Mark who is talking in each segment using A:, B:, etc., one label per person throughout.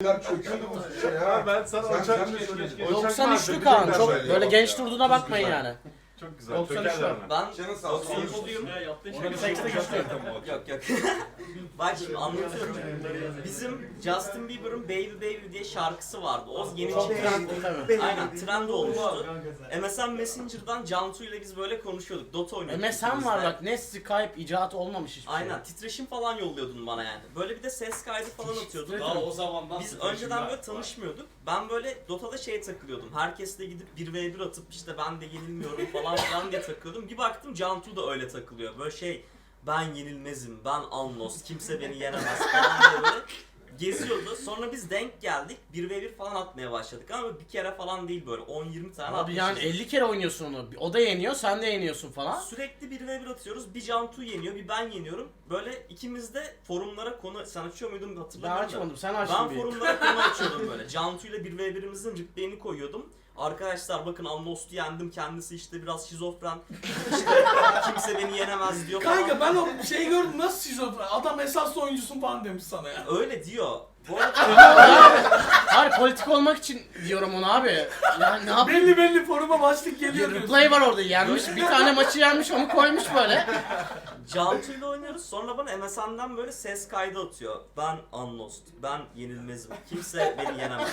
A: Çöküyordu bu şey ha.
B: Ben sana
A: Sen
B: uçak
A: de
B: geç.
A: söyledin.
C: 93'lü Kaan. Çok böyle genç durduğuna bakmayın yani.
B: Çok güzel.
C: 93 var.
D: Ben
A: Canın sağ olsun.
D: 93'lüyüm.
C: Ona bir sekste geçti.
D: Yok yok. Bak şimdi anlatıyorum. Bizim Justin Bieber'ın Baby Baby diye şarkısı vardı. O yeni
C: Çok
D: çıkan.
C: trendli tabii.
D: Aynen trend olmuştu. MSN Messenger'dan Cantu ile biz böyle konuşuyorduk. Dota oynuyorduk.
C: MSN
D: ikimiz
C: var
D: de.
C: bak, ne Skype icadı olmamış hiçbir şey.
D: Aynen titreşim falan yolluyordun bana yani. Böyle bir de ses kaydı falan atıyordun.
C: Daha
E: o zamandan
D: Biz önceden böyle tanışmıyorduk. Ben böyle Dota'da takılıyordum. Herkesle gidip 1v1 atıp işte ben de yenilmiyorum falan filan diye takılıyordum. Bir baktım Cantu da öyle takılıyor. Böyle ben yenilmezim, ben Alnos, kimse beni yenemez falan diye böyle geziyordu. Sonra biz denk geldik. 1v1 falan atmaya başladık ama bir kere falan değil böyle 10-20 tane
C: Abi yani
D: atmışız.
C: 50 kere oynuyorsun onu. O da yeniyor, sen de yeniyorsun falan.
D: Sürekli 1v1 atıyoruz. Bir Cantu yeniyor, bir ben yeniyorum. Böyle ikimiz de forumlara konu... Sen açıyor muydun
C: Ben
D: hatırlamıyorum da.
C: açmadım, sen açtın
D: Ben
C: bir.
D: forumlara konu açıyordum böyle. Cantu ile 1v1'imizin replay'ini koyuyordum. Arkadaşlar bakın Almost'u yendim, kendisi işte biraz şizofren. İşte kimse beni yenemez diyor falan.
E: Kanka ben o şeyi gördüm, nasıl şizofren? Adam esaslı oyuncusun falan demiş sana ya.
D: Öyle diyor. Bu arada
C: Hayır, politik olmak için diyorum onu abi. Yani ne yapayım?
E: Belli foruma başlık geliyor diyorsun.
C: Replay var orada, yenmiş. Bir tane maçı yenmiş, onu koymuş böyle.
D: Cantu ile oynuyoruz. Sonra bana MSN'den böyle ses kaydı atıyor. Ben Unlost, ben yenilmezim. Kimse beni yenemez.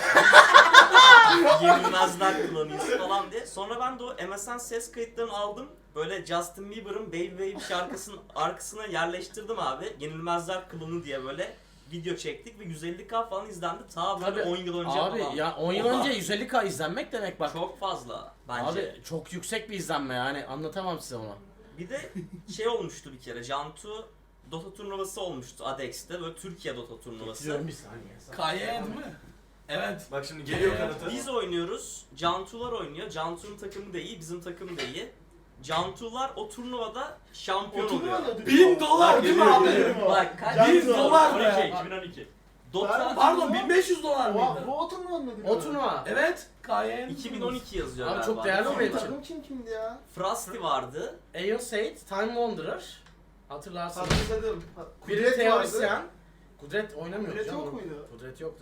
D: Yenilmezler klanıyız falan diye. Sonra ben de o MSN ses kayıtlarını aldım. Böyle Justin Bieber'ın Baby Baby şarkısının arkasına yerleştirdim abi. Yenilmezler klanı diye böyle video çektik ve 150k falan izlendi. Ta böyle
C: Tabii.
D: 10 yıl önce
C: Abi
D: falan.
C: ya 10 yıl
D: Oha.
C: önce 150k izlenmek demek bak.
D: Çok fazla bence.
C: Abi çok yüksek bir izlenme yani, anlatamam size onu.
D: Bir de olmuştu bir kere. Cantu Dota turnuvası olmuştu Adex'te. Böyle Türkiye Dota turnuvası.
C: Getiriyorum bir saniye.
E: KY değil mi? Evet.
B: Bak şimdi geliyor kanıtı.
D: Biz oynuyoruz. Cantular oynuyor. Cantu'nun takımı da iyi, bizim takım da iyi. Cantular o turnuvada şampiyon oluyor.
E: $1000 değil mi abi?
D: Bak kaç?
E: $1000 be.
B: 2012.
D: Dota
E: Pardon $1500 mıydı?
A: Bu oturma mı?
C: O turnuva.
E: Evet. KY.
D: 2012 yazıyor
C: Abi
D: galiba.
C: çok değerli o benim için.
A: Takım kimdi ya?
D: Frosty vardı.
C: Aeon Sait, Time Wanderer. Hatırlarsın.
A: Hatırladım.
C: Biri
A: Kudret
C: teorisyen.
A: vardı.
C: Kudret oynamıyor.
A: Kudret
C: canım.
A: yok muydu?
C: Kudret yoktu.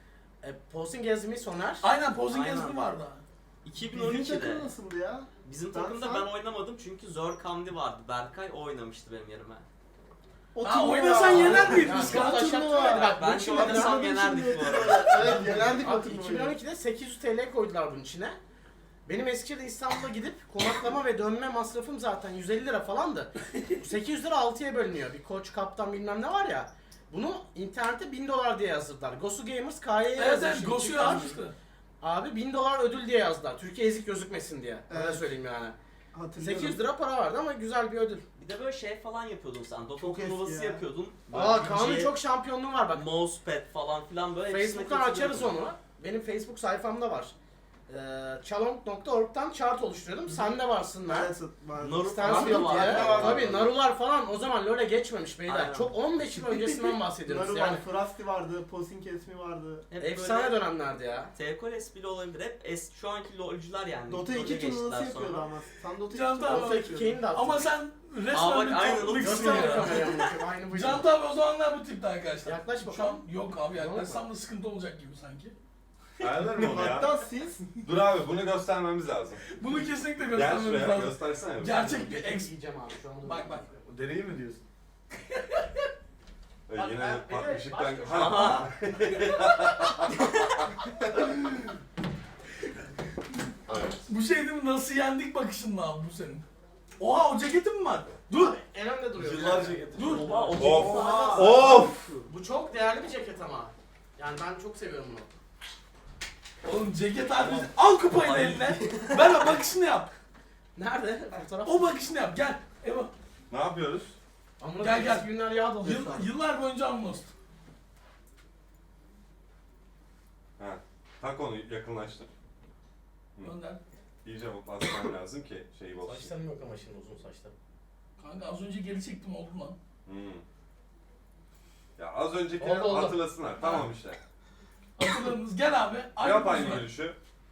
C: Posing Gezmi Soner.
E: Aynen posing
D: Aynen.
E: gezimi vardı.
A: Bizim
D: 2012'de.
A: takım nasıldı ya?
D: Bizim
A: Ben
D: takımda
A: sen-
D: ben oynamadım çünkü Zor Kamdi vardı. Berkay o oynamıştı benim yerime.
E: Ha oynasan yener miyiz
C: Ya
E: biz
C: çok
E: kanka?
C: taşak
A: turnuva.
C: turnuva. Bak
D: Ben
C: bu
D: şu
C: için
D: oynasam yenerdik bu arada.
A: Evet yenerdik o
C: Abi
A: turnuvayı.
C: 2012'de 800 TL koydular bunun içine. Benim Eskişehir'de İstanbul'a gidip konaklama ve dönme masrafım zaten 150 lira falandı. 800 lira 6'ya bölünüyor. Bir koç, kaptan bilmem ne var ya. Bunu internette $1000 diye yazdılar. Gosu Gamers KY'ye
E: Evet
C: yazmış.
E: evet Gosu'yu açmıştı.
C: Abi $1000 ödül diye yazdılar. Türkiye ezik gözükmesin diye. Öyle
A: Evet.
C: söyleyeyim yani.
A: Hatırlıyorum.
C: 800 lira para vardı ama güzel bir ödül.
D: Bir de böyle falan yapıyordun sen. Dota
A: Çok eski
D: turnuvası
A: ya.
D: yapıyordun. Böyle
C: Aa Kaan'ın
D: DJ,
C: çok şampiyonluğu var bak.
D: Mousepad falan filan böyle. hepsine
C: Facebook'tan açarız
D: katılıyordun.
C: onu. Benim Facebook sayfamda var. Chalong.org'dan chart oluşturuyordum. Sen de varsın lan.
A: Evet, vardı.
D: Naruto
C: Stanfield
D: vardı.
C: diye.
A: vardı.
C: Tabii Narular falan o zaman LoL'e geçmemiş beyler.
D: Aynen.
C: Çok 15 yıl öncesinden bahsediyoruz
A: Naru
C: yani.
A: vardı, Frosty vardı, Posing Kesmi vardı.
D: Hep
C: Efsane
D: böyle
C: dönemlerdi ya.
D: T-Coles bile olabilir. Hep şu anki LoL'cüler yani.
A: Dota
D: LoL'e
A: 2
D: geçtiler
A: turnuvası
D: sonra.
A: yapıyordu ama. Sen Dota 2
E: Can
A: turnuvası
E: Tamam.
C: Dota
A: yapıyordun.
C: 2'yi de attım.
E: Ama sen
D: Aa,
E: resmen
D: bak,
E: bir
D: aynen,
E: topluluksun
C: Göster
E: ya.
C: kamerayı amına, aynı bu.
E: Can abi o zamanlar bu tipti arkadaşlar.
C: Yaklaş
E: Şu an
C: bakalım.
E: yok abi yaklaşsam da sıkıntı olacak gibi sanki.
B: Ayarlar mı onu ya?
A: Hatta siz
B: Dur abi bunu göstermemiz lazım.
E: Bunu kesinlikle
B: Gel
E: göstermemiz
B: şuraya
E: lazım.
B: göstersene.
E: Gerçek bir ex.
C: Yiyeceğim abi şu an.
E: Bak bak.
B: Deneyi mi diyorsun?
C: Bak,
B: Yine
C: bir de
B: pat ışıktan...
C: başka-
D: Aha.
B: Evet.
E: Bu şey değil mi? Nasıl yendik bakışınla abi bu senin. Oha o ceketin mi var? Dur.
C: Abi, en önde duruyor.
B: Yıllarca getirdim.
E: Dur.
D: Oha, o
B: Of.
C: Of. Bu çok değerli bir ceket ama. Yani ben çok seviyorum bunu.
E: Oğlum ceket abi. Al kupayı da eline. Ver o bakışını yap.
C: Nerede? Fotoğraf.
E: O bakışını yap. Gel. Eva.
B: Ne yapıyoruz?
C: Amına
E: Gel,
C: gel
E: gel.
C: gel. Günler yağ doluyor şu an.
E: Yıllar boyunca Amnost.
B: Ha. Tak onu yakınlaştır.
E: Gönder.
B: İyice basmam lazım ki şey olsun.
C: Saçlarım yok ama şimdi uzun saçlarım.
E: Kanka az önce geri çektim oldu lan.
B: Hmm. Ya az öncekileri
C: Oldu.
B: hatırlasınlar. Tamam işte.
E: Hatırladınız. Gel abi.
B: Yap aynı
E: pozunu.
B: gülüşü.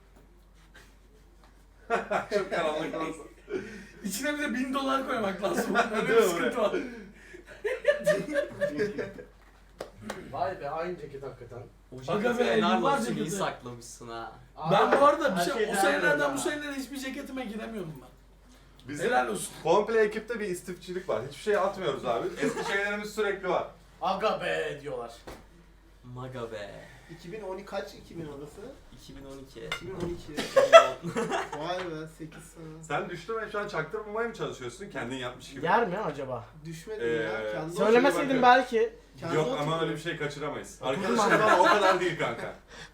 B: Çok karanlık olsun.
E: İçine bir de $1000 koymak lazım. Öyle bir
B: Değil mi
E: sıkıntı var.
C: Vay be aynı ceket hakikaten.
D: O
E: Aga
D: ceketi
E: be,
D: helal
E: yıllarca
D: olsun iyi
E: gitti.
D: saklamışsın ha.
E: Ben bu arada bir
A: Her
E: şey,
A: şey
E: o
A: değerli
E: senelerden
A: ya.
E: bu senelere hiçbir ceketime giremiyordum ben.
B: Bizim
E: Helal olsun.
B: komple ekipte bir istifçilik var. Hiçbir şey atmıyoruz abi. Eski şeylerimiz sürekli var.
C: Aga be diyorlar.
D: Maga be.
A: 2012 kaç 2000 orası?
D: 2012.
A: 2012. Vay be 8 sene.
B: Sen düştün ve şu an çaktırmamaya mı çalışıyorsun? Kendin yapmış gibi.
C: Yer mi acaba?
A: Düşmedim ya. Kendi
C: Söylemeseydin
B: bakıyorum.
C: belki.
A: kendi
B: Yok
A: oturuyor.
B: ama öyle bir şey kaçıramayız.
C: Okudum
B: Arkadaşlar
C: ben.
B: ama o kadar değil kanka.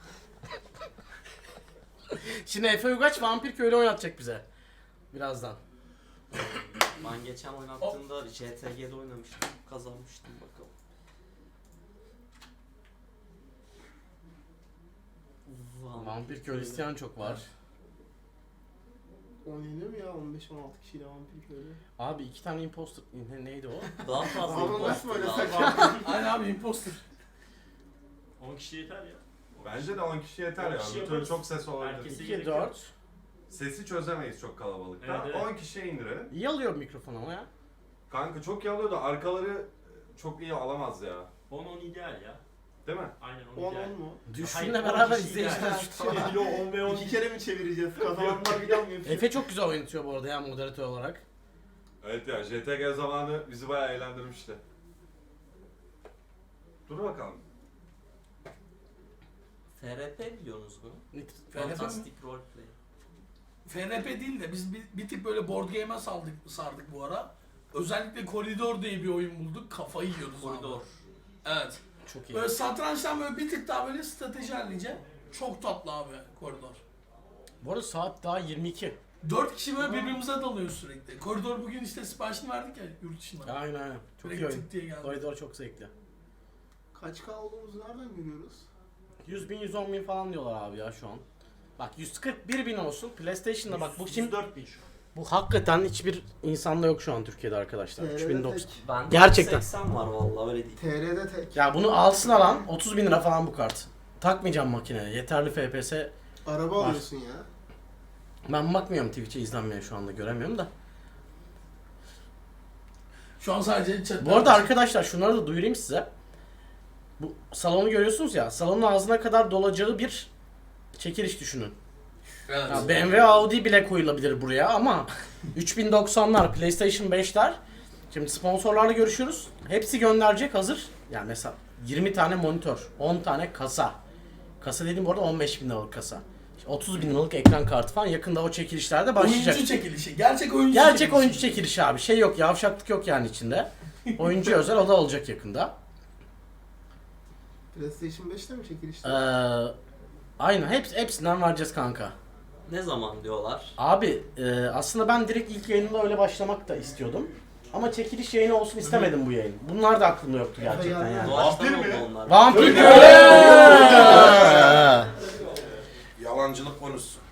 C: Şimdi Efe Ugaç Vampir Köylü oynatacak bize. Birazdan.
D: Ben geçen oynattığımda JTG'de oynamıştım. Kazanmıştım bakalım.
C: Vampir Köylü isteyen çok var.
A: Oynanıyor mu ya 15-16 kişiyle vampir köylü?
C: Abi 2 tane imposter neydi o?
D: Daha fazla
A: Ama
D: imposter
A: nasıl böyle
D: lazım.
A: saçma?
E: Aynen abi imposter.
F: 10 kişi yeter ya.
B: Bence de 10 kişi yeter
F: 10
B: ya.
F: kişi
B: Bir türlü
F: yaparız.
B: çok ses olabilir.
F: Herkesi
C: 2,
F: gerek
C: 4.
F: yok.
B: Sesi çözemeyiz çok kalabalıkta.
F: Evet, evet.
B: 10 kişiye indirelim.
C: İyi alıyor mikrofon ama ya.
B: Kanka çok iyi alıyor da arkaları çok iyi alamaz ya.
F: 10-10 ideal ya.
B: Değil mi?
F: Aynen
A: 10
F: 10 ideal.
A: mu?
C: Düşüşünle
F: Hayır, on
C: beraber
F: kişi
C: izleyiciler
F: ideal.
C: düştü.
F: Yok 10 ve 10.
A: 2 kere mi çevireceğiz? Kazananlar bir daha mı yapıyor?
C: Efe çok güzel oynatıyor bu arada ya moderatör olarak.
B: Evet ya JTG zamanı bizi bayağı eğlendirmişti. Dur bakalım.
D: FRP biliyorsunuz mu?
E: FRP mi?
D: Fantastic Roleplay.
E: FNP değil de biz bir tık böyle board game'e sardık bu ara. Özellikle Koridor diye bir oyun bulduk. Kafayı yiyoruz
D: Koridor.
E: abi. Evet.
C: Çok iyi.
E: Böyle satrançtan böyle bir tık daha böyle strateji halince çok tatlı abi Koridor.
C: Bu arada saat daha 22.
E: 4 kişi böyle birbirimize dalıyoruz sürekli. Koridor bugün işte siparişini verdik ya yurt dışından.
C: Aynen aynen. Çok iyi
E: Direkt
C: oyun.
E: tık diye geldi.
C: Koridor çok zevkli.
A: Kaç K olduğumuzu nereden görüyoruz?
C: 100 bin 110 bin falan diyorlar abi ya şu an. Bak 141 bin olsun. PlayStation'da bak bu kim?
F: 104 bin şu.
C: Bu hakikaten hiçbir insanda yok şu an Türkiye'de arkadaşlar.
A: TR'de
C: 3090.
A: tek.
D: Ben
C: Gerçekten.
D: 80 var vallahi öyle değil.
A: TR'de tek.
C: Ya bunu alsın alan 30 bin lira falan bu kart. Takmayacağım makineye. Yeterli FPS.
A: Araba
C: Var.
A: alıyorsun ya.
C: Ben bakmıyorum Twitch'e izlenmeye şu anda göremiyorum da.
E: Şu an sadece chat.
C: Bu arada arkadaşlar şunları da duyurayım size. Bu salonu görüyorsunuz ya. Salonun ağzına kadar dolacağı bir çekiliş düşünün.
E: Evet.
C: Ya BMW Audi bile koyulabilir buraya ama 3090'lar, PlayStation 5'ler. Şimdi sponsorlarla görüşüyoruz. Hepsi gönderecek hazır. Yani mesela 20 tane monitör, 10 tane kasa. Kasa dediğim bu arada 15 bin liralık kasa. İşte 30 bin liralık ekran kartı falan yakında o çekilişlerde başlayacak.
E: Oyuncu çekilişi. Gerçek oyuncu
C: Gerçek
E: çekilişi.
C: oyuncu çekilişi abi. Şey yok, yavşaklık yok yani içinde. Oyuncu özel o da olacak yakında.
A: PlayStation 5'te mi çekilişte?
C: Aynen hepsinden vereceğiz kanka.
D: Ne zaman diyorlar?
C: Abi aslında ben direkt ilk yayınında öyle başlamak da istiyordum. Ama çekiliş yayını olsun istemedim bu yayın. Bunlar da aklımda yoktu gerçekten yani.
D: Doğaçlama
B: Vampir mi?
D: oldu onlar.
C: Vampir
E: Yalancılık konusu.